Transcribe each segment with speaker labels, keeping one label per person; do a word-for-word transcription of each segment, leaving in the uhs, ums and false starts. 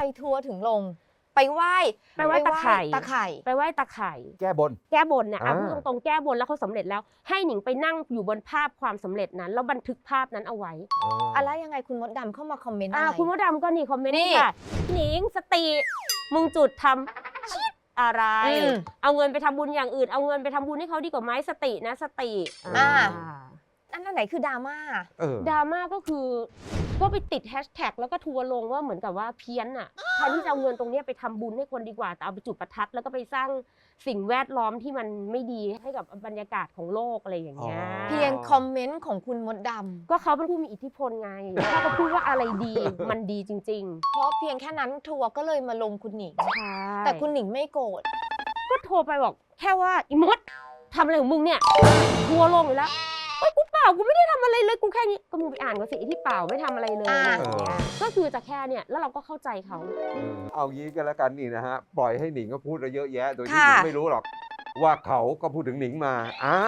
Speaker 1: ทัวร์ถึงลงไปไหว้
Speaker 2: ไปไหว้ตะไคร่
Speaker 1: ตะไคร่
Speaker 2: ไปไหว้ตะไคร่
Speaker 3: แก้บน
Speaker 2: แก้บนเนี่ยอ่ะ
Speaker 3: อ่า
Speaker 2: พูดตรงๆแก้บนแล้วเขาสำเร็จแล้วให้หนิงไปนั่งอยู่บนภาพความสำเร็จนั้นแล้วบันทึกภาพนั้นเอาไว้
Speaker 1: อะไรยังไงคุณมดดำเข้ามาคอมเมนต์อะ
Speaker 2: อ่า
Speaker 1: ไร
Speaker 2: คุณมดดำก็นี่คอมเมนต์
Speaker 1: นี่
Speaker 2: ค่ะหนิงสติมึงจุดทำชิดอะไร
Speaker 1: อืม
Speaker 2: เอาเงินไปทำบุญอย่างอื่นเอาเงินไปทำบุญให้เขาดีกว่าไหมสตินะสติ
Speaker 1: อ่า
Speaker 2: อ่า
Speaker 1: อันนั้นไหนคือดราม่า
Speaker 3: เออ
Speaker 2: ดราม่าก็คือก็ไปติดแฮชแท็กแล้วก็ทัวร์ลงว่าเหมือนกับว่าเพี้ยนอ่ะแทนที่จะเอาเงินตรงนี้ไปทำบุญให้คนดีกว่าแต่เอาไปจุดประทัดแล้วก็ไปสร้างสิ่งแวดล้อมที่มันไม่ดีให้กับบรรยากาศของโลกอะไรอย่างเงี้ย
Speaker 3: อ๋อ
Speaker 1: เพียงคอมเมนต์ของคุณมดดำ
Speaker 2: ก็เขาเป็นผู้มีอิทธิพลไงถ้าเขาพูดว่าอะไรดีมันดีจริง
Speaker 1: เพราะเพียงแค่นั้นทัวร์ก็เลยมาลงคุณหนิง
Speaker 2: ๆใช่
Speaker 1: แต่คุณหนิงไม่โกรธ
Speaker 2: ก็โทรไปบอกแค่ว่าอีมดทำอะไรของมึงเนี่ยทัวร์ลงอยู่แล้วเอ้ยกูเปล่ากูไม่ได้ทำอะไรเลยกูแค่นี้ก็มึงไปอ่านก็สิที่เปล่าไม่ทำอะไรเลย
Speaker 1: อ่า
Speaker 2: อะไรอย่างเงี้ยก็คือจะแค่เนี่ยแล้วเราก็เข้าใจเขา
Speaker 3: เอางี้กันแล้วกันนี่นะฮะ ปล่อยให้หนิงก็พูดเยอะแยะ โดยที่ห
Speaker 1: ค่ะ
Speaker 3: นิงไม่รู้หรอก ว่าเขาก็พูดถึงหนิงมา อ้าว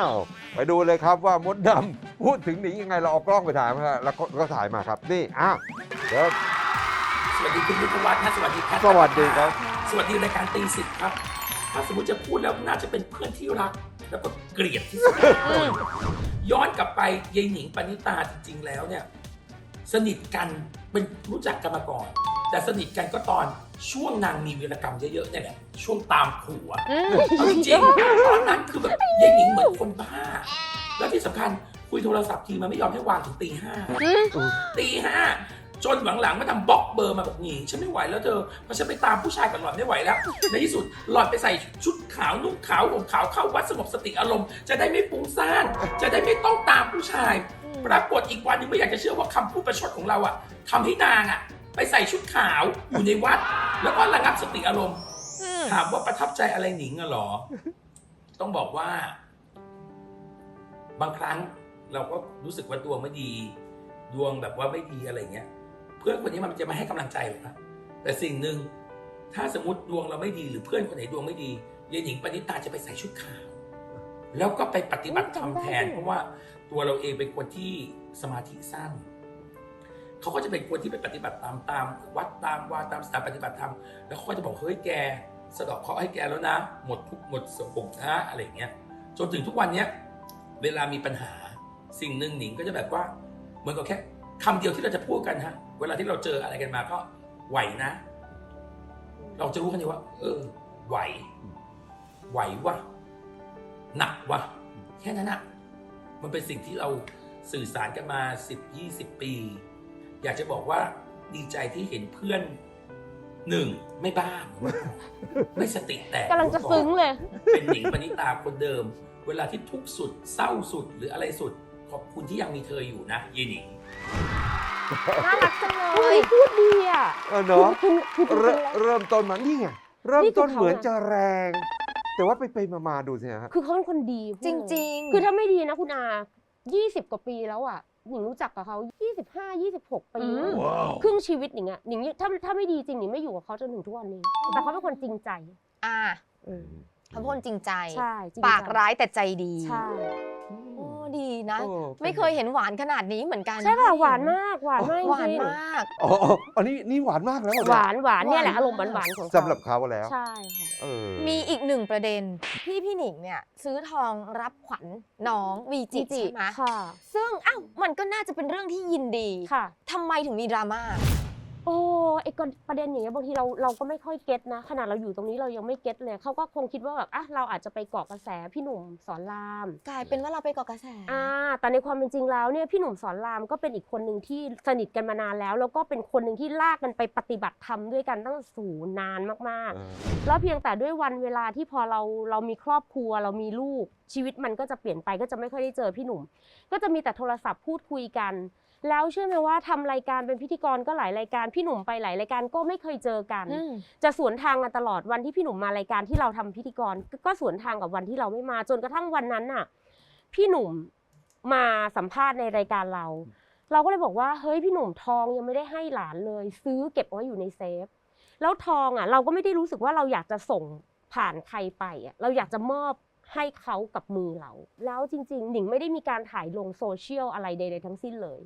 Speaker 3: ไปดูเลยครับว่ามดดำพูดถึงหนิงยังไงเราเอากล้องไปถ่ายมาครับแล้วก็ก็ถ่ายมาครับ นี่ อ้าวเดี๋ยว
Speaker 4: สวัสดีคุณวิทยาวัฒน์นะสวัสดีแพทย์
Speaker 3: สวัสดีครับ
Speaker 4: สวัสดีรายการตีสิทธิ์ครับ ถ้าสมมติจะพูดแล้วน่าจะเป็นเพื่อนที่รัก แล้วก็เกลียดที่สุดย้อนกลับไปยายหนิงปณิตาจริงๆแล้วเนี่ยสนิทกันเป็นรู้จักกันมาก่อน แต่สนิทกันก็ตอนช่วงนางมีวีรกรรมเยอะๆเนี่ยแหละช่วงตามผัว
Speaker 1: อืม
Speaker 4: เอาจริงๆตอนนั้นคือแบบยายหนิงเหมือนคนบ้า แล้วที่สำคัญคุยโทรศัพท์ทีมันไม่ยอมให้วางถึงตีห้า ตีห้าจนหลังๆมาทำบล็อกเบอร์มาบอกหนิงฉันไม่ไหวแล้วเธอเพราะฉันไปตามผู้ชายกับหล่อนไม่ไหวแล้ว ในที่สุดหล่อนไปใส่ชุดขาวนุ่งขาวห่มขาวเข้าวัดสงบสติอารมณ์จะได้ไม่ฟุ้งซ่านจะได้ไม่ต้องตามผู้ชาย ปรากฏอีกวันนึงไม่อยากจะเชื่อว่าคำพูดประชดของเราอะทำให้นางอะไปใส่ชุดขาวอยู่ในวัด แล้วก็ระงับสติอารมณ์
Speaker 1: อืม
Speaker 4: ถามว่าประทับใจอะไรหนิงอะหรอ ต้องบอกว่า บางครั้งเราก็รู้สึกว่าดวงไม่ดี ดวงแบบว่าไม่ดีอะไรเงี้ย เพื่อนคนนี้มันจะมาให้กำลังใจหรอกนะแต่สิ่งหนึ่งถ้าสมมติดวงเราไม่ดีหรือเพื่อนคนไหนดวงไม่ดียายหนิงปณิตาจะไปใส่ชุดขาว แล้วก็ไปปฏิบัติธรรมแทน เพราะว่าตัวเราเองเป็นคนที่สมาธิสั้นเขาก็จะเป็นคนที่ไปปฏิบัติตามตามวัดตามวาตามสถานปฏิบัติธรรมแล้วเขาก็จะบอกเฮ้ยแกสะเดอกเคราะห์ให้แกแล้วนะ หมดทุกข์หมดโศกนะอะไรอย่างเงี้ยจนถึงทุกวันเนี้ยเวลามีปัญหาสิ่งหนึ่งหนิงก็จะแบบว่าเหมือนกับแค่คำเดียวที่เราจะพูดกันฮะเวลาที่เราเจออะไรกันมาก็ไหวนะ เราจะรู้กันเลยว่า เออ ไหว ไหววะหนักวะแค่นั้นอะมันเป็นสิ่งที่เราสื่อสารกันมาสิบยี่สิบปี อยากจะบอกว่าดีใจที่เห็นเพื่อนหนึ่งไม่บ้าไม่สติแตก
Speaker 2: กำลังจะซึ้งเลย
Speaker 4: เป็นหนิงปณิตาคนเดิม เวลาที่ทุกข์สุดเศร้าสุดหรืออะไรสุด ขอบคุณที่ยังมีเธออยู่นะเยหนิง
Speaker 1: น่ารักจังเล
Speaker 2: พูด
Speaker 1: ย
Speaker 2: ดีพูดดีอ่ะ
Speaker 3: เออเนาะ
Speaker 2: คือคือคือ
Speaker 3: เริ่มเริ่มต้นมานี่ไง เริ่ม
Speaker 2: นี่คือ
Speaker 3: ต้น
Speaker 2: เขา
Speaker 3: เหมือน
Speaker 2: อะ
Speaker 3: จะแรง แต่ว่าไปไปมามาดูสิฮะ
Speaker 2: คือเขาเป็นคนดีพูด
Speaker 1: จ
Speaker 2: เลย
Speaker 1: ริงๆ
Speaker 2: คือถ้าไม่ดีนะคุณอายี่สิบกว่าปีแล้วอ่ะหนิงรู้จักกับเขายี่สิบห้า ยี่สิบหกปี
Speaker 1: อืม
Speaker 2: ครึ่งชีวิตหนิงอ่ะหนิงถ้าถ้าไม่ดีจริงหนิงไม่อยู่กับเขาจนถึงทุกวันนี้ แต่เขาเป็นคนจริงใจ
Speaker 1: อ่าเขาเป็นคนจริงใจ
Speaker 2: ใช่จริงใจ
Speaker 1: ปากร้ายแต่ใจดี
Speaker 2: ใช่
Speaker 1: โอ้ดีนะ
Speaker 3: โอ้
Speaker 1: ไม่เคยเห็นหวานขนาดนี้เหมือนกัน
Speaker 2: ใช่ป่ะหวานมากหวานมากจ
Speaker 1: หวาน
Speaker 2: ริง
Speaker 1: มาก
Speaker 3: อ๋ออ๋ออันนี้นี่หวานมากแล้วเรอ
Speaker 2: หวานหวานเนี่ยแหละ
Speaker 1: หวาน
Speaker 2: อารมณ์หวานหวานของเขา
Speaker 3: สำหรับเขาแล้ว
Speaker 2: ใช่ค่ะ
Speaker 3: เออ
Speaker 1: มีอีกหนึ่งประเด็นที่พี่หนิงเนี่ยซื้อทองรับขวัญน้องวีจิใช่ไหม
Speaker 2: ค่ะ
Speaker 1: ซึ่งอ้าวมันก็น่าจะเป็นเรื่องที่ยินดี
Speaker 2: ค่ะ
Speaker 1: ทำไมถึงมีดราม่า
Speaker 2: โอ้ไอ้กประเด็นอย่างเงี้ยบางทีเราเราก็ไม่ค่อยเก็ตนะขนาดเราอยู่ตรงนี้เรายังไม่เก็ตเลยเขาก็คงคิดว่าแบบอ่ะเราอาจจะไปเกาะกระแสพี่หนุ่มสอนราม
Speaker 1: กลายเป็นว่าเราไปเกาะกระแส
Speaker 2: อ่าแต่ในความเป็นจริงแล้วเนี่ยพี่หนุ่มสอนรามก็เป็นอีกคนหนึ่งที่สนิทกันมานานแล้ว แล้วก็เป็นคนหนึ่งที่ลากกันไปปฏิบัติธรรมด้วยกันตั้งสูนานมาก
Speaker 3: เออ
Speaker 2: ๆ แล้วเพียงแต่ด้วยวันเวลาที่พอเราเรามีครอบครัวเรามีลูกชีวิตมันก็จะเปลี่ยนไปก็จะไม่ค่อยได้เจอพี่หนุ่ม ก็จะมีแต่โทรศัพท์พูดคุยกัน แล้วเชื่อไหมว่าทำรายการเป็นพิธีกรก็หลายรายการพี่หนุ่มไปหลายรายการก็ไม่เคยเจอกัน
Speaker 1: อืม
Speaker 2: จะสวนทางกันตลอดวันที่พี่หนุ่มมารายการที่เราทำพิธีกรก็ก็สวนทางกับวันที่เราไม่มาจนกระทั่งวันนั้นน่ะพี่หนุ่มมาสัมภาษณ์ในรายการเรา เราก็เลยบอกว่าเฮ้ยพี่หนุ่มทองยังไม่ได้ให้หลานเลย ซื้อเก็บไว้อยู่ในเซฟแล้วทองอ่ะเราก็ไม่ได้รู้สึกว่าเราอยากจะส่งผ่านใครไปอ่ะเราอยากจะมอบให้เขากับมือเราแล้วจริงๆหนิงไม่ได้มีการถ่ายลงโซเชียลอะไรใดๆทั้งสิ้นเลย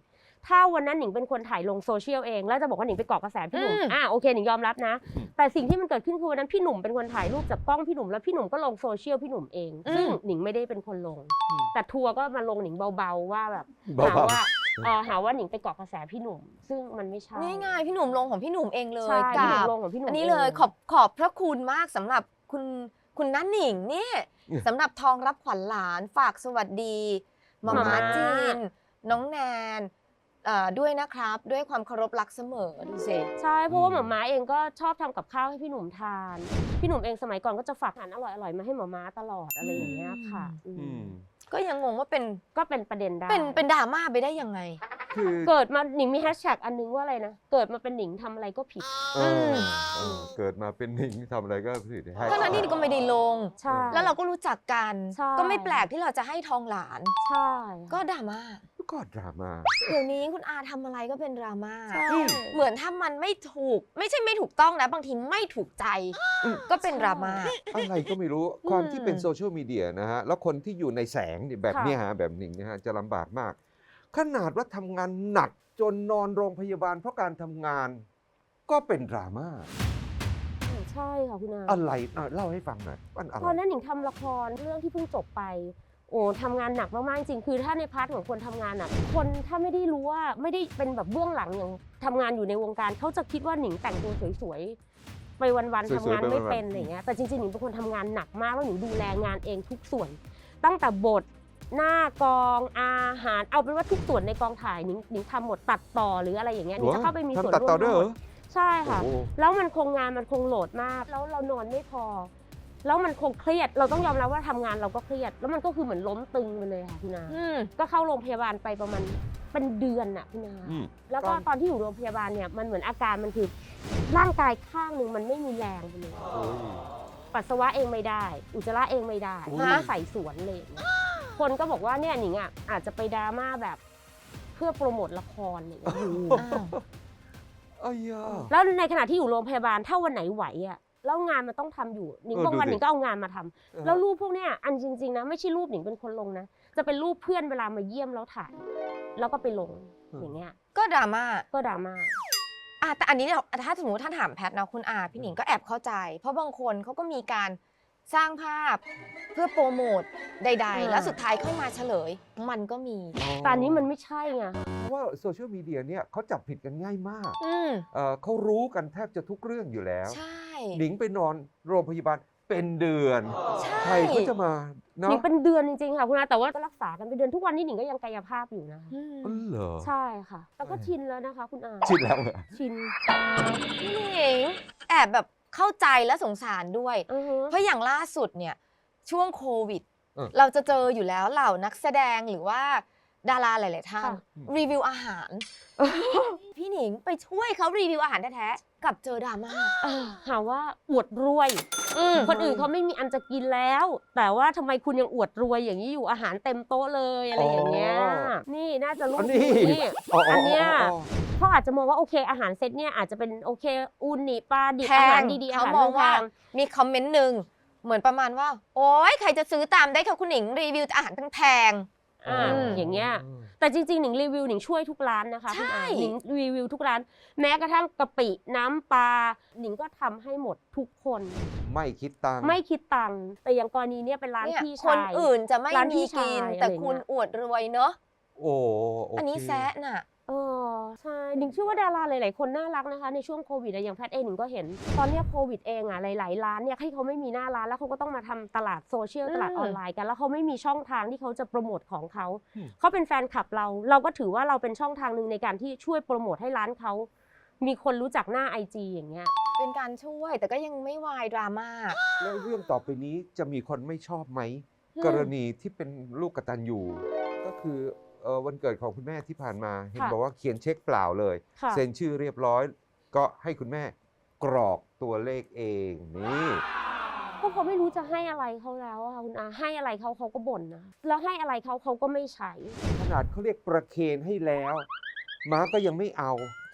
Speaker 2: ถ้าวันนั้นหนิงเป็นคนถ่ายลงโซเชียลเองแล้วจะบอกว่าหนิงไปเกาะกระแสพี่หนุ่ม
Speaker 1: อืม
Speaker 2: อ่ะโอเคหนิงยอมรับนะ
Speaker 3: อืม
Speaker 2: แต่สิ่งที่มันเกิดขึ้นคือวันนั้นพี่หนุ่มเป็นคนถ่ายรูปจากกล้องพี่หนุ่มแล้วพี่หนุ่มก็ลงโซเชียลพี่หนุ่มเองซึ่งหนิงไม่ได้เป็นคนลง แต่ทัวร์ก็มาลงหนิงเบาๆว่าแบบหา
Speaker 3: เบา
Speaker 2: ว่าเอ่อหาว่าหนิงไปเกาะกระแสพี่หนุ่ม ซึ่งมันไม่ใช่
Speaker 1: นี่ไงพี่หนุ่มลงของพี่หนุ่มเองเลย
Speaker 2: ใช่
Speaker 1: กั
Speaker 2: พี่หนุ่ม
Speaker 1: บ
Speaker 2: ลงของพี่หนุ่ม
Speaker 1: อันนี้เลย
Speaker 2: อง
Speaker 1: ขอบขอบพระคุณมากสำหรับคุณคุณนันหนิงนี่สำหรับทองรับขวัญหลานฝากสวัสดีมาม่าจีน น้องแนนเอ่อด้วยนะครับด้วยความเคารพรักเสมอดูสิ
Speaker 2: ใช่เพราะว่า
Speaker 3: อืม
Speaker 2: หม่าม้าเองก็ชอบทำกับข้าวให้พี่หนุ่มทาน พี่หนุ่มเองสมัยก่อนก็จะฝากอาหารอร่อยๆมาให้หม่าม้าตลอดอะไรอย่างเงี้ยค่ะ
Speaker 1: อื
Speaker 2: อื
Speaker 3: อื
Speaker 2: ม
Speaker 3: ม
Speaker 1: ก็ยังงงว่าเป็น
Speaker 2: ก็เป็นประเด็นได้
Speaker 1: เป็นเป็นดราม่าไปได้ยังไง
Speaker 3: คือ
Speaker 2: เกิดมาหนิงมีแฮชแท็กอันนึงว่าอะไรนะเกิดมาเป็นหนิงทำอะไรก็ผิด
Speaker 3: เออเออเกิดมาเป็นหนิงทำอะไรก็ผิดให้
Speaker 1: ทั้งนั้นที่ก็ไม่ได้ลง
Speaker 2: ใช่
Speaker 1: แล้วเราก็รู้จักกัน
Speaker 2: ใช่
Speaker 1: ก็ไม่แปลกที่เราจะให้ทองหลาน
Speaker 2: ใช่
Speaker 1: ก็ดราม่า
Speaker 3: ก็ดราม่า
Speaker 1: เดี๋ยวนี้คุณอาทำอะไรก็เป็นดราม่า
Speaker 2: ใช่
Speaker 1: เหมือนถ้ามันไม่ถูก ไม่ใช่ไม่ถูกต้องนะ บางทีไม่ถูกใจ ก็เป็นดราม่า
Speaker 3: อะไรก็ไม่รู้ความที่เป็นโซเชียลมีเดียนะฮะ แล้วคนที่อยู่ในแสงเนี่ยแบบ
Speaker 2: ค่ะ
Speaker 3: เนี้ยฮะแบบหนิงนะฮะจะลำบากมาก ขนาดว่าทำงานหนักจนนอนโรงพยาบาลเพราะการทำงาน ก็เป็นดราม่า
Speaker 2: ใช่ค่ะคุณอา
Speaker 3: อะไรอ่ะเล่าให้ฟังหน่อยว่าอะไร
Speaker 2: ตอนนั้นหนิงทำละครเรื่องที่เพิ่งจบไป โอ้ทำงานหนักมากๆจริงคือถ้าในพาร์ทของคนทำงานอ่ะคนถ้าไม่ได้รู้ว่าไม่ได้เป็นแบบเบื้องหลังอย่างทำงานอยู่ในวงการเขาจะคิดว่าหนิงแต่งตัวสวยๆไปวันๆ
Speaker 3: สวยๆ
Speaker 2: ทำงานไม่
Speaker 3: ไปวันๆ
Speaker 2: เป็นอะไรเงี้ยแต่จริงๆหนิงเป็นคนทำงานหนักมากแล้วหนิงดูแลงานเองทุกส่วน ตั้งแต่บทหน้ากองอาหารเอาเป็นว่าทุกส่วนในกองถ่ายหนิงหนิงทำหมดตัดต่อหรืออะไรอย่างเงี้ยหนิงจะเข้าไปมีส่วน
Speaker 3: ทำตัด
Speaker 2: ร่ว
Speaker 3: ต่อ
Speaker 2: ม
Speaker 3: ด้วย
Speaker 2: ทั้
Speaker 3: เห
Speaker 2: ง
Speaker 3: ร
Speaker 2: หม
Speaker 3: อ
Speaker 2: ดใช่ค่ะ
Speaker 3: โอ้โห
Speaker 2: แล้วมันคงงานมันคงโหลดมาก แล้วเรานอนไม่พอ แล้วมันคงเครียด เราต้องยอมรับว่าทำงานเราก็เครียด แล้วมันก็คือเหมือนล้มตึงไปเลยค่ะพี่นา
Speaker 1: อืม
Speaker 2: ก็เข้าโรงพยาบาลไปประมาณเป็นเดือนน่ะพี่นา
Speaker 3: อืม
Speaker 2: แล้วก็ตอนที่อยู่โรงพยาบาลเนี่ยมันเหมือนอาการมันคือร่างกายข้างหนึ่งมันไม่มีแรงไปเลย
Speaker 3: โอ้ย
Speaker 2: ปัสสาวะเองไม่ได้ อุจจาระเองไม่ได้
Speaker 3: อุ๊ย
Speaker 2: ต้องใส่สวนเลยอย่างเงี้ยคนก็บอกว่าเนี่ยหนิงอ่ะอาจจะไปดราม่าแบบเพื่อโปรโมทละครอะไรอย่างเงี้ย
Speaker 1: อ้าว
Speaker 3: เอ้ยอ่ะ
Speaker 2: แล้วในขณะที่อยู่โรงพยาบาลถ้าวันไหนไหวอ่ะแล้วงานมันต้องทำอยู่หนิง
Speaker 3: เออบ
Speaker 2: างวัน
Speaker 3: ดูดิ
Speaker 2: หนิงก็เอางานมาทำแล้วรูปพวกเนี้ยอันจริงๆนะไม่ใช่รูปหนิงเป็นคนลงนะจะเป็นรูปเพื่อนเวลามาเยี่ยมแล้วถ่าย แล้วก็ไปลงอย่างเงี้ย
Speaker 1: ก็ดราม่า
Speaker 2: ก็ดราม่า
Speaker 1: อ่ะแต่อันนี้เนี่ยถ้าสมมติถ้าถามแพทนะคุณอาพี่หนิงก็แอบเข้าใจ เพราะบางคนเขาก็มีการสร้างภาพเพื่อโปรโมทใด ๆ แล้วสุดท้ายเข้ามาเฉลย มันก็มี
Speaker 2: แต่อันนี้มันไม่ใช่ไง
Speaker 3: เพราะว่าโซเชียลมีเดียเนี่ยเขาจับผิดกันง่ายมาก
Speaker 1: อืม
Speaker 3: เอ่อเขารู้กันแทบจะทุกเรื่องอยู่แล้ว
Speaker 1: ใช่
Speaker 3: หนิงไปนอนโรงพยาบาลเป็นเดือน
Speaker 1: ใช่
Speaker 3: ใครเขาจะมา
Speaker 2: หนิ
Speaker 3: เนาะ
Speaker 2: งเป็นเดือนจริงๆค่ะคุณอาแต่ว่าก็รักษากันเป็นเดือนทุกวันนี้หนิงก็ยังกายภาพอยู่นะ
Speaker 1: อืม
Speaker 3: อ๋อเหรอ
Speaker 2: ใช่ค่ะ แล้วก็ชินแล้วนะคะ คุณอา
Speaker 3: ชินแล้วเหรอ
Speaker 2: ชิน
Speaker 1: พี่หนิงแอบแบบเข้าใจและสงสารด้วย
Speaker 2: อือฮึ
Speaker 1: เพราะอย่างล่าสุดเนี่ยช่วงโควิด
Speaker 3: เออ
Speaker 1: เราจะเจออยู่แล้วเหล่านักแสดงหรือว่าดาราหลาย ๆ ท่าน
Speaker 2: ค่ะ
Speaker 1: รีวิวอาหาร พี่หนิงไปช่วยเขารีวิวอาหารแท้ๆกับเจอดราม่า
Speaker 2: เออหาว่าอวดรวย
Speaker 1: อืม
Speaker 2: คนอื่นเขาไม่มีอันจะกินแล้ว แต่ว่าทำไมคุณยังอวดรวยอย่างนี้อยู่อาหารเต็มโต๊ะเลยอะไรอย่างเงี้ย
Speaker 3: อ๋อ
Speaker 2: นี่น่าจะรู้
Speaker 3: อันนี้
Speaker 2: นี่
Speaker 3: อ๋อ
Speaker 2: อันเนี้ย
Speaker 3: อ๋อ
Speaker 2: เขาอาจจะมองว่าโอเคอาหารเซตเนี่ยอาจจะเป็นโอเคอูนิปลาดิบ
Speaker 1: แพ
Speaker 2: อาหารง ดีๆอา
Speaker 1: เขา
Speaker 2: หาร
Speaker 1: มองว่า
Speaker 2: แพง
Speaker 1: มีคอมเมนต์หนึ่งเหมือนประมาณว่า โอ๊ยใครจะซื้อตามได้ค่ะคุณหนิงรีวิวอาหารแพง
Speaker 2: ๆอ่าอย่างเงี้ย แต่จริงๆหนิงรีวิวหนิงช่วยทุกร้านนะคะคุณ
Speaker 1: ใช่
Speaker 2: อาหนิงรีวิวทุกร้าน แม้กระทั่งกะปิน้ำปลาหนิงก็ทำให้หมดทุกคน
Speaker 3: ไม่คิดตังค์
Speaker 2: ไม่คิดตังค์แต่อย่างกรณีเนี้ยเป็นร้าน
Speaker 1: เนี่ย
Speaker 2: พี่
Speaker 1: ค
Speaker 2: ชาน ย
Speaker 1: อื่นจะไม่
Speaker 2: ร้านพี่
Speaker 1: มีกิน
Speaker 2: ชาย
Speaker 1: แต่
Speaker 2: อะไรเงี้ย
Speaker 1: คุณอวดรวยเนอะ
Speaker 3: โอ้โอเค
Speaker 1: อันนี้แซะน่ะ
Speaker 2: เออใช่หนิงเชื่อว่าดาราหลายๆคนน่ารักนะคะในช่วงโควิดอะอย่างแพทย์เองหนิงก็เห็น ตอนเนี้ยโควิดเองอะหลายๆร้านเนี่ยที่เขาไม่มีหน้าร้านแล้วเขาก็ต้องมาทำตลาดโซเชียล
Speaker 1: อืม
Speaker 2: ตลาดออนไลน์กันแล้วเขาไม่มีช่องทางที่เขาจะโปรโมทของเขาเขาเป็นแฟนคลับเรา เราก็ถือว่าเราเป็นช่องทางหนึ่งในการที่ช่วยโปรโมทให้ร้านเขามีคนรู้จักหน้า ไอ จี อย่างเงี้ย
Speaker 1: เป็นการช่วยแต่ก็ยังไม่วายดราม่า
Speaker 3: แล้วเรื่องต่อไปนี้จะมีคนไม่ชอบไหม
Speaker 1: อืม
Speaker 3: กรณีที่เป็นลูกกตัญญูก็คือเอ่อวันเกิดของคุณแม่ที่ผ่านมา เห็น
Speaker 2: ค่ะ
Speaker 3: บอกว่าเขียนเช็คเปล่าเลย
Speaker 2: ค่ะ
Speaker 3: เซ็นชื่อเรียบร้อย ก็ให้คุณแม่กรอกตัวเลขเองนี่
Speaker 2: เพราะเขาไม่รู้จะให้อะไรเขาแล้วอะค่ะคุณอาให้อะไรเขาเขาก็บ่นนะแล้วให้อะไรเขาเขาก็ไม่ใช้
Speaker 3: ขนาดเขาเรียกประเคนให้แล้ว ม้าก็ยังไม่เอา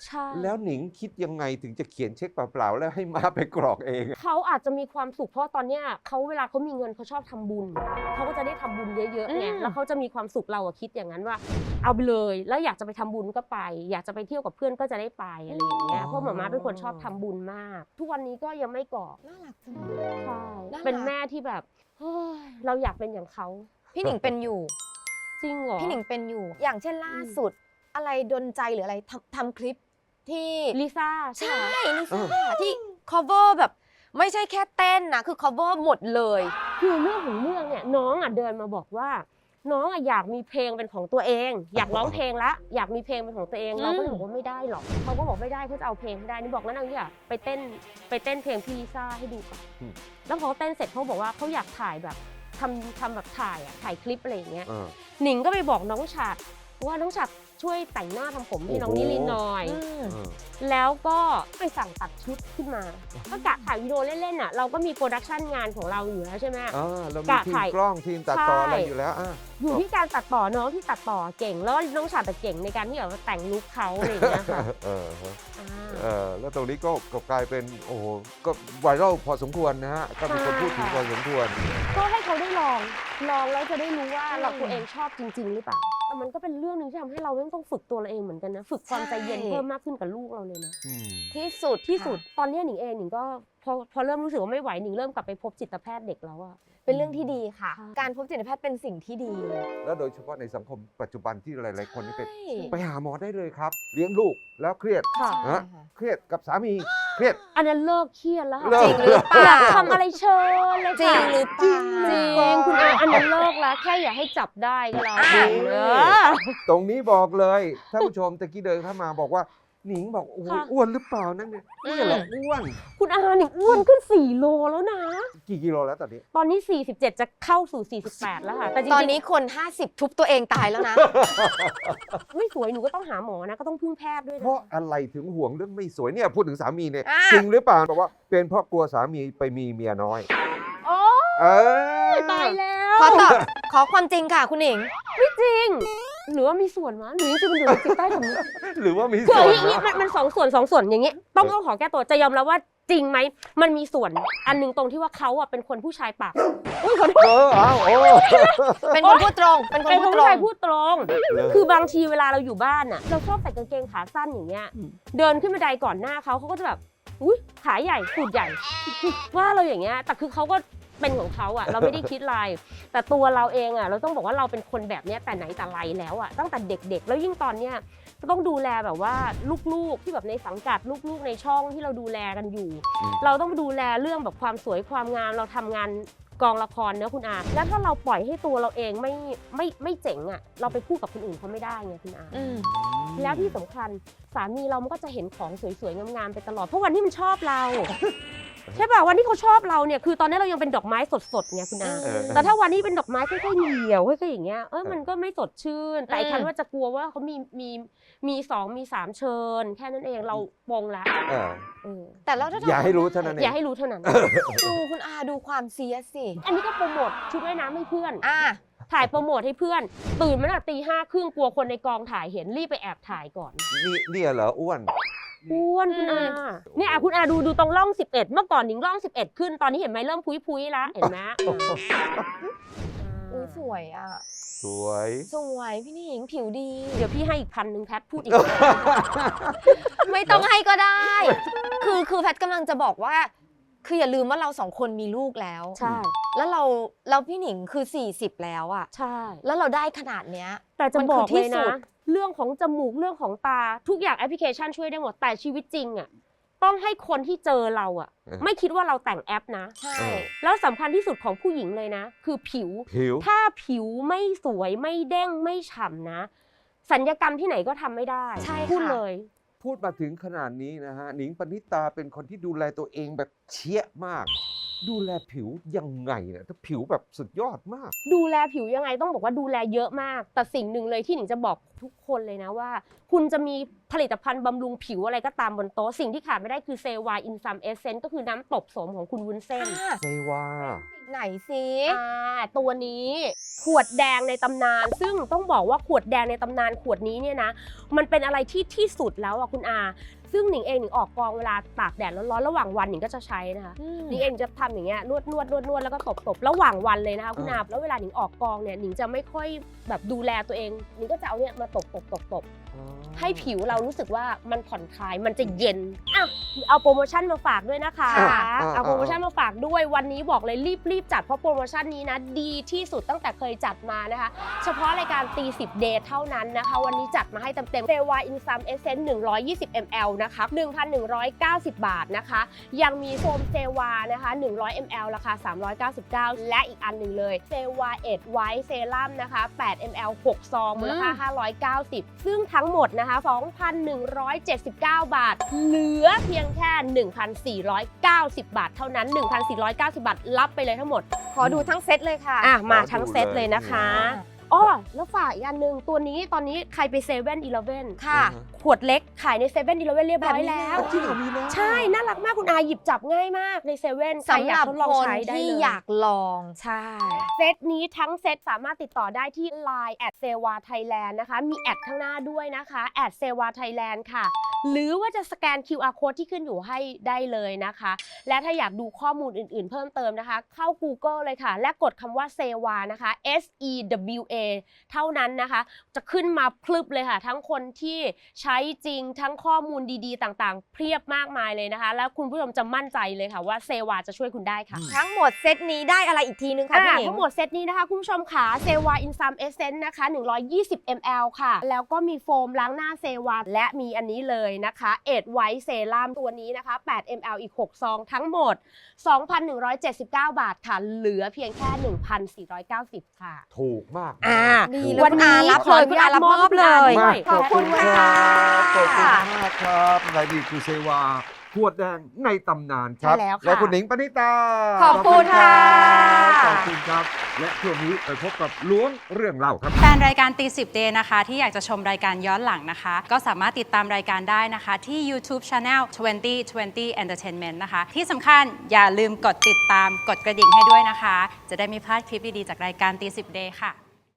Speaker 2: ใช่
Speaker 3: แล้วหนิงคิดยังไงถึงจะเขียนเช็คเปล่าๆแล้วให้มาไปกรอกเองอะ
Speaker 2: เขาอาจจะมีความสุขเพราะตอนเนี้ยเขาเวลาเขามีเงินเขาชอบทำบุญเขาก็จะได้ทำบุญเยอะๆไง
Speaker 1: อืม
Speaker 2: แล้วเขาจะมีความสุขเราอะคิดอย่างนั้นว่า เอาไปเลยแล้วอยากจะไปทำบุญก็ไป อยากจะไปเที่ยวกับเพื่อนก็จะได้ไปอะไรอย่างเงี้ยเพราะหมาม่าเป็นคนชอบทำบุญมาก ทุกวันนี้ก็ยังไม่กรอก
Speaker 1: น่ารักจัง
Speaker 2: ใช่
Speaker 1: น่ารัก
Speaker 2: เป็นแม่ที่แบบเฮ้ยเราอยากเป็นอย่างเขา
Speaker 1: พี่หนิงเป็นอยู่
Speaker 2: จริงเหรอ
Speaker 1: พี่หนิงเป็นอยู่ อย่างเช่นล่าสุด อะไรดนใจหรืออะไรทำทำคลิปที่
Speaker 2: ลิซ่าใช่
Speaker 1: ใช่
Speaker 2: ไหม
Speaker 1: ลิซ่าที่ cover แบบไม่ใช่แค่เต้นนะ คือ cover หมดเลย
Speaker 2: คือเรื่องของเรื่องเนี่ยน้องอ่ะเดินมาบอกว่า น้องอ่ะอยากมีเพลงเป็นของตัวเอง อยากร้องเพลงละอยากมีเพลงเป็นของตัวเอง
Speaker 1: อืม
Speaker 2: เราก็เลยบอกว่าไม่ได้หรอกเขาก็บอกไม่ได้เขาจะเอาเพลงไม่ได้นี่บอกงั้นเอาอย่างไปเต้นไปเต้นเพลงพี่ลิซ่าให้ดูก่อน
Speaker 3: อืม
Speaker 2: แล้วพอเต้นเสร็จเขาบอกว่าเขาอยากถ่ายแบบทำทำแบบถ่ายอ่ะถ่ายคลิปอะไรอย่างเงี้ย
Speaker 3: เออ
Speaker 2: หนิงก็ไปบอกน้องฉัดว่าน้องฉัดช่วยแต่งหน้าทำผมให้น้อง
Speaker 3: โอ้โห
Speaker 2: นิรินทร์หน่อย
Speaker 1: อืม
Speaker 3: เออ
Speaker 2: แล้วก็ไปสั่งตัดชุดขึ้นมา ก็กะถ่ายวิดีโอเล่นๆอ่ะเราก็มีโปรดักชันงานของเราอยู่แล้วใช่ไหม
Speaker 3: อ่าเรามี
Speaker 2: กะ
Speaker 3: ทีม
Speaker 2: ถ่าย
Speaker 3: กล้องทีมตัดต่อ
Speaker 2: ใช่
Speaker 3: อะไรอยู่แล้วอ่ะ
Speaker 2: อยู่ที่การตัดต่อน้องที่ตัดต่อเก่งแล้วน้องฉัดแต่เก่งในการที่แบบว่าแต่งลุคเขาอะไรอย่างเงี้ยค่ะ
Speaker 3: เออฮะ
Speaker 2: อ่า
Speaker 3: เออแล้วตรงนี้ก็ก็กลายเป็นโอ้โหก็ไวรัลพอสมควรนะฮะก็มีคนพูดถึงพอสมควร
Speaker 2: ก็ให้เขาได้ลองลองแล้วจะได้รู้ว่า
Speaker 1: อืม
Speaker 2: เราตัวเองชอบจริง ๆ หรือเปล่าแต่มันก็เป็นเรื่องหนึงที่ทำให้เราต้องฝึกตัวเราเองเหมือนกันนะฝึกความใจเย็น
Speaker 1: ใช่
Speaker 2: เพิ่มมากขึ้นกับลูกเราเลยนะ
Speaker 3: อืม
Speaker 1: ที่สุด
Speaker 2: ที่สุด
Speaker 1: ค่ะ
Speaker 2: ตอนนี้หนิงเองหนิงก็พอพอเริ่มรู้สึกว่าไม่ไหวหนิงเริ่มกลับไปพบจิตแพทย์เด็กแล้วอะ
Speaker 1: เป็นเรื่องที่ดีค่ะ
Speaker 2: ใช่
Speaker 1: การพบจิตแพทย์เป็นสิ่งที่ดี
Speaker 3: แล้วโดยเฉพาะในสังคมปัจจุบันที่หลาย ๆ คนนี่เป็น
Speaker 1: ใช่
Speaker 3: ไปหาหมอได้เลยครับ เลี้ยงลูกแล้วเครียด
Speaker 2: ค่ะ
Speaker 1: ใช่
Speaker 3: ฮะ
Speaker 1: ค่ะ
Speaker 3: เครียดกับสามีเครียด
Speaker 2: อันนั้นเลิกเครียดแล้วค่ะ
Speaker 3: เลิ
Speaker 1: จริงหรือเปล่า
Speaker 2: ทำอะไรเชิญเลย
Speaker 1: จริ
Speaker 2: ค่ะ
Speaker 1: งหรือเป
Speaker 3: จริ
Speaker 1: ล่าง
Speaker 2: จริงคุณอาอันนั้นเลิกแล้วแค่อย่าให้จับได้ก็แล้ว
Speaker 1: อ่ะ
Speaker 2: กันเออ
Speaker 3: ตรงนี้บอกเลยท่านผู้ชมตะกี้เดินเข้ามาบอกว่าหนิงบอกโอ้โห
Speaker 2: ค่ะ
Speaker 3: อ้วนหรือเปล่านั่นเนี่ยนี่เหรออ้วน
Speaker 2: คุณอาหนิงอ้วนขึ้นสี่โลแล้วนะ
Speaker 3: กี่กิโลแล้วตอนนี้
Speaker 2: ตอนนี้สี่สิบเจ็ดจะเข้าสู่สี่สิบแปดแล้วค่ะแต่จริงๆ
Speaker 1: ตอนนี้คน ห้าสิบ ทุบตัวเองตายแล้วนะ
Speaker 2: ไม่สวยหนูก็ต้องหาหมอนะก็ต้องพึ่งแพทย์ด้วย
Speaker 3: เพ
Speaker 2: นะ
Speaker 3: ราะอะไรถึงห่วงเรื่องไม่สวยเนี่ยพูดถึงสามีเนี่ย
Speaker 1: อ่ะ
Speaker 3: จริงหรือเปล่าบอกว่าเป็นเพราะกลัวสามีไปมีเมียน้อย
Speaker 2: โอ้
Speaker 3: เออ
Speaker 2: ตายแล้ว
Speaker 1: ขอตอบขอความจริงค่ะคุณหนิง
Speaker 2: ไม่จริงหรือว่ามีส่วนวะหรือจริงๆมันอยู่ในจิตใต้สำนึก
Speaker 3: หรือว่ามี
Speaker 2: คือ
Speaker 3: ส่
Speaker 2: อ
Speaker 3: วน
Speaker 2: ย่างนี้
Speaker 3: นะ
Speaker 2: มันมันสองส่วนสองส่วนอย่างนี้ ต้องต้องขอแก้ตัวจะยอมรับว่าจริงไหมมันมีส่วนอันหนึงตรงที่ว่าเขาอ่ะเป็นคนผู้ชายปากอุ้ยขอโทษ
Speaker 3: เออเอาโอ้
Speaker 1: เป็นคนพูดตรง เป็นคน
Speaker 2: เป็น
Speaker 1: พู
Speaker 2: คน
Speaker 1: ดตร
Speaker 2: ผู้ชาย
Speaker 1: ง
Speaker 2: พูดตรง คือบางทีเวลาเราอยู่บ้านอ่ะเราชอบใส่กางเกงขาสั้นอย่างเงี้ย
Speaker 3: อืม
Speaker 2: เดินขึ้นบันไดก่อนหน้าเขาเขาก็จะแบบอุ้ยขาใหญ่สูดใหญ่ ว่าเราอย่างเงี้ยแต่คือเขาก็เป็นของเขาอ่ะเราไม่ได้คิดอะไรแต่ตัวเราเองอ่ะเราต้องบอกว่าเราเป็นคนแบบเนี้ยแต่ไหนแต่ไรแล้วอ่ะตั้งแต่เด็กๆ แล้วยิ่งตอนเนี้ยก็ต้องดูแลแบบว่าลูกๆที่แบบในสังกัดลูกๆในช่องที่เราดูแลกันอยู่
Speaker 3: อืม
Speaker 2: เราต้องดูแลเรื่องแบบความสวยความงามเราทำงานกองละครเนอะคุณอาแล้วถ้าเราปล่อยให้ตัวเราเองไม่ไม่ไม่เจ๋งอ่ะเราไปพูดกับคนอื่นเขาไม่ได้ไงคุณอา
Speaker 1: อืม
Speaker 2: แล้วที่สำคัญสามีเรามันก็จะเห็นของสวยๆงามๆไปตลอดเพราะวันที่มันชอบเรา ใช่ป่ะวันที่เขาชอบเราเนี่ยคือตอนนี้เรายังเป็นดอกไม้สดๆไงคุณอา
Speaker 3: เออ
Speaker 2: แต่ถ้าวันนี้เป็นดอกไม้ค่อยๆเหี่ยวค่อยๆอย่างเงี้ยเออมันก็ไม่สดชื่น แต่ไอ้
Speaker 1: อืม
Speaker 2: คันว่าจะกลัวว่าเขามีมีมีสองมีสามเชิญ แค่นั้นเองเราปลงละ
Speaker 3: เออ
Speaker 2: เออ
Speaker 1: แต่แล้วถ้า
Speaker 3: อย่าให้รู้เท่านั้นเอง
Speaker 2: อย่าให้รู้เท่านั้น
Speaker 1: ดูคุณอาดูความเสียสสิ
Speaker 2: อันนี้ก็โปรโมทชุดว่ายน้ำให้เพื่อน
Speaker 1: อ่ะ
Speaker 2: ถ่ายโปรโมทให้เพื่อน ตื่นมาตั้งแต่ตีห้าครึ่งกลัวคนในกองถ่ายเห็นรีบไปแอบถ่ายก่อน
Speaker 3: นี่เนี่ยเหรออ้วน
Speaker 2: อ้วนคุณอา
Speaker 1: อืม
Speaker 2: เนี่ยอ่ะคุณอาดูดูตรงร่องสิบเอ็ดเมื่อก่อนหนิงร่องสิบเอ็ดขึ้นตอนนี้เห็นไหมเริ่มพุ้ยพุ้ยๆแล้วเห็นไหม
Speaker 1: อุ้ยสวยอ่ะ
Speaker 3: สวย
Speaker 1: สวยพี่หนิงผิวดี
Speaker 2: เดี๋ยวพี่ให้อีกพันหนึ่งแพทพูดอีก
Speaker 1: ไม่ต้องให้ก็ได้ คือคือแพทย์กำลังจะบอกว่า คืออย่าลืมว่าเราสองคนมีลูกแล้ว
Speaker 2: ใช่
Speaker 1: แล้วเราแล้วพี่หนิงคือสี่สิบแล้วอะ
Speaker 2: ใช่
Speaker 1: แล้วเราได้ขนาดเนี้ย
Speaker 2: แต่จะ
Speaker 1: มัน
Speaker 2: บ
Speaker 1: คือ
Speaker 2: อก
Speaker 1: ที่
Speaker 2: เลย
Speaker 1: สุ
Speaker 2: นะ
Speaker 1: ด
Speaker 2: เรื่องของจมูกเรื่องของตาทุกอย่างแอปพลิเคชันช่วยได้หมดแต่ชีวิตจริงอ่ะต้องให้คนที่เจอเราอ่ะ
Speaker 3: เออ
Speaker 2: ไม่คิดว่าเราแต่งแอปนะ
Speaker 1: ใช่
Speaker 3: เออ
Speaker 2: แล้วสำคัญที่สุดของผู้หญิงเลยนะ คือผิว
Speaker 3: ผิว
Speaker 2: ถ้าผิวไม่สวยไม่เด้งไม่ฉ่ำนะสัญญกรรมที่ไหนก็ทำไม่ได้
Speaker 1: ใช่
Speaker 2: พูด
Speaker 1: ค่ะ
Speaker 2: เลย
Speaker 3: พูดมาถึงขนาดนี้นะฮะหนิงปณิตาเป็นคนที่ดูแลตัวเองแบบเชี่ยมากดูแลผิวยังไงเนี่ยถ้าผิวแบบสุดยอดมาก
Speaker 2: ดูแลผิวยังไงต้องบอกว่าดูแลเยอะมาก แต่สิ่งหนึ่งเลยที่หนิงจะบอกทุกคนเลยนะว่า คุณจะมีผลิตภัณฑ์บำรุงผิวอะไรก็ตามบนโต๊ะสิ่งที่ขาดไม่ได้คือเซวาอินซัมเอเซนต์ก็คือน้ำตบโสมของคุณวุ้นเส้น
Speaker 1: อ่ะ
Speaker 3: เซวา
Speaker 1: ไหนสิ
Speaker 2: อ่าตัวนี้ขวดแดงในตำนาน ซึ่งต้องบอกว่าขวดแดงในตำนานขวดนี้เนี่ยนะมันเป็นอะไรที่ที่สุดแล้วอ่ะคุณอาซึ่งหนิงเองหนิงออกกองเวลาตากแดดร้อนๆระหว่างวันหนิงก็จะใช้นะคะหนิงเองจะทำอย่างเงี้ยนวดนวดนวดนวดแล้วก็ตบตบระหว่างวันเลยนะคะคุณอาแล้วเวลาหนิงออกกองเนี่ยหนิงจะไม่ค่อยแบบดูแลตัวเองหนิงก็จะเอาเนี่ยมาตบตบตบตบให้ผิวเรารู้สึกว่ามันผ่อนคลายมันจะเย็นอ่ะเอาโปรโมชั่นมาฝากด้วยนะคะ
Speaker 3: อ่ะอ่ะ
Speaker 2: เอาโปรโมชั่นมาฝากด้วยวันนี้บอกเลยรีบรีบจัดเพราะโปรโมชั่นนี้นะดีที่สุดตั้งแต่เคยจัดมานะคะเฉพาะรายการตีสิบเดย์เท่านั้นนะคะวันนี้จัดมาให้เต็มๆเซวาอินซัมเอเซนต์หนึ่งร้อยยี่สิบมิลลิลิตร นะคะ หนึ่งพันหนึ่งร้อยเก้าสิบ บาทนะคะยังมีโฟมเซวานะคะหนึ่งร้อยมิลลิลิตร ราคาสามร้อยเก้าสิบเก้าและอีกอันหนึ่งเลยเซวาเอ็ดไวท์เซรั่มนะคะแปดมิลลิลิตร หกซองมูลค่าห้าร้อยเก้าสิบซึ่งทั้งหมดนะคะ สองพันหนึ่งร้อยเจ็ดสิบเก้า บาทเหลือเพียงแค่ หนึ่งพันสี่ร้อยเก้าสิบ บาทเท่านั้น หนึ่งพันสี่ร้อยเก้าสิบ บาทรับไปเลยทั้งหมด
Speaker 1: ขอดูทั้งเซตเลยค่ะ
Speaker 2: อ่ะมา
Speaker 3: ขอดู
Speaker 2: ทั้งเซตเลยนะคะ
Speaker 1: เลย
Speaker 2: อ้อแล้วฝากอีกอันหนึ่งตัวนี้ตอนนี้ใครไปเซเว่นอีเลฟเว่น
Speaker 1: ค่ะ
Speaker 2: ขวดเล็กขายในเซเว่นอีเลฟเว่นเรียบร้อย
Speaker 1: แบบนี้
Speaker 2: แล้ว
Speaker 1: แล้ว
Speaker 3: จริงเหรอมีแล้ว
Speaker 2: ใช่ น่ารักมากคุณอาหยิบจับง่ายมากในเซเว่น
Speaker 1: สำหรับ
Speaker 2: ทดลอง
Speaker 1: คน
Speaker 2: ใช้ได้
Speaker 1: ที่
Speaker 2: เลย
Speaker 1: อยากลอง
Speaker 2: ใช่ เซตนี้ทั้งเซตสามารถติดต่อได้ที่ ไลน์ แอทเซวาไทยแลนด์นะคะ มีแอดข้างหน้าด้วยนะคะ แอทเซวาไทยแลนด์ค่ะ หรือว่าจะสแกน คิว อาร์ Code ที่ขึ้นอยู่ให้ได้เลยนะคะ และถ้าอยากดูข้อมูลอื่นๆ เพิ่มเติมนะคะ เข้า Google เลยค่ะ และกดคำว่าเซวานะคะ S E W A เท่านั้นนะคะ จะขึ้นมาพลึบเลยค่ะ ทั้งคนที่ใช้จริงทั้งข้อมูลดีๆ ต่างๆ เพียบมากมายเลยนะคะ แล้วคุณผู้ชมจะมั่นใจเลยค่ะว่าเซวาจะช่วยคุณได้ค่ะ
Speaker 1: ทั้งหมดเซตนี้ได้อะไรอีกทีนึงคะ
Speaker 2: อ่า
Speaker 1: พี่หญิง
Speaker 2: ทั้งหมดเซตนี้นะคะ คุณผู้ชมค่ะเซวาอินซัมเอเซนต์นะคะหนึ่งร้อยยี่สิบมิลลิลิตร ค่ะ แล้วก็มีโฟมล้างหน้าเซวาและมีอันนี้เลยนะคะเอ็ดไวท์เซรั่มตัวนี้นะคะแปดมิลลิลิตร อีกหกซองทั้งหมด สองพันหนึ่งร้อยเจ็ดสิบเก้า บาทค่ะ เหลือเพียงแค่ หนึ่งพันสี่ร้อยเก้าสิบ ค่ะ
Speaker 3: ถูกมาก
Speaker 2: อ่า
Speaker 1: ดี
Speaker 3: ถูก
Speaker 1: เลย
Speaker 2: วันนี้
Speaker 1: รับ
Speaker 2: ขอ
Speaker 1: เลย
Speaker 2: อนุญาต
Speaker 1: รับ
Speaker 2: ม
Speaker 1: ม
Speaker 2: อ
Speaker 1: อ
Speaker 2: บบ
Speaker 1: เลย
Speaker 2: ด้วย
Speaker 1: ขอบคุณค่ะ
Speaker 3: ขอบคุณมากครับรายดีคือเซวาขวดแดงในตำนานครับ
Speaker 2: ใช่แล้วค่ะ
Speaker 3: และคุณหนิงปณิตา
Speaker 1: ขอบคุณค่ะ
Speaker 3: ขอบคุณครับ และช่วงนี้ไปพบกับล้วงเรื่องเล่าครับ
Speaker 5: แฟนรายการตีสิบเดย์นะคะที่อยากจะชมรายการย้อนหลังนะคะ ก็สามารถติดตามรายการได้นะคะที่ YouTube Channel ยี่สิบยี่สิบ Entertainment นะคะ ที่สำคัญอย่าลืมกดติดตามกดกระดิ่งให้ด้วยนะคะ จะได้ไม่พลาดคลิปดี ๆ จากรายการตีสิบเดย์ค่ะ